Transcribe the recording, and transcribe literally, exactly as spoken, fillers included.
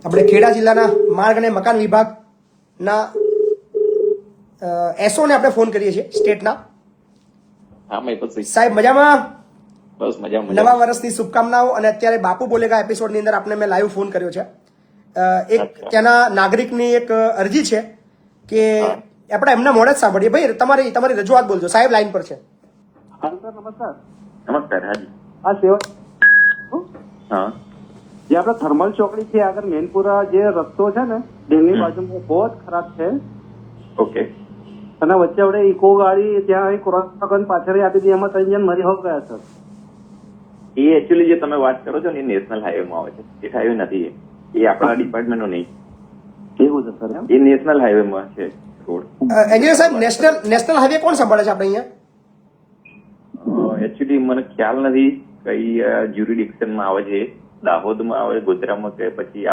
આપણે ખેડા જિલ્લાના માર્ગ અને મકાન વિભાગના એસઓ ને આપણે ફોન કરીએ છીએ સ્ટેટના. હા મહિપતભાઈ, સાહેબ મજામાં? બસ મજામાં. નવા વર્ષની શુભકામનાઓ. અને અત્યારે બાપુ બોલેગા એપિસોડની અંદર આપણે મેં લાઈવ ફોન કર્યો છે. અ, એક ત્યાંના નાગરિકની એક અરજી છે કે આપણે એમના મોડે જ સાંભળીએ. ભાઈ તમારી તમારી રજૂઆત બોલજો. સાહેબ લાઈન પર છે. હા સર, નમસ્કાર. નમસ્કાર. હાજી. આ સેવા હા, જે આપણે થર્મલ ચોકડી છે આગળ મેનપુરા જે રસ્તો છે ને ડેમની બાજુમાં બહુ જ ખરાબ છે. ઓકે. અને વચ્ચે આપણે ઇકો ગાડી ત્યાં ક્રોસ કરીને પાછળ આપી દીધી, એમાં ત્રણ જણ મરી હો ગયા સર. એ એકચ્યુઅલી જે તમે વાત કરો છો ને એ નેશનલ હાઈવે માં આવે છે. સ્ટેટ હાઈવે નથી. એ એ આપણા ડિપાર્ટમેન્ટ નો નહીં. એવું છે સર? એમ એ નેશનલ હાઈવે માં છે રોડ. એન્જિનિયર સાહેબ, નેશનલ નેશનલ હાઈવે કોણ સંભાળે છે આપણે અહીંયા? એકચ્યુઅલી મને ખ્યાલ નથી કઈ જ્યુરિડિક્શન માં આવે છે. દાહોદ માં આવે, ગોધરામાં કે પછી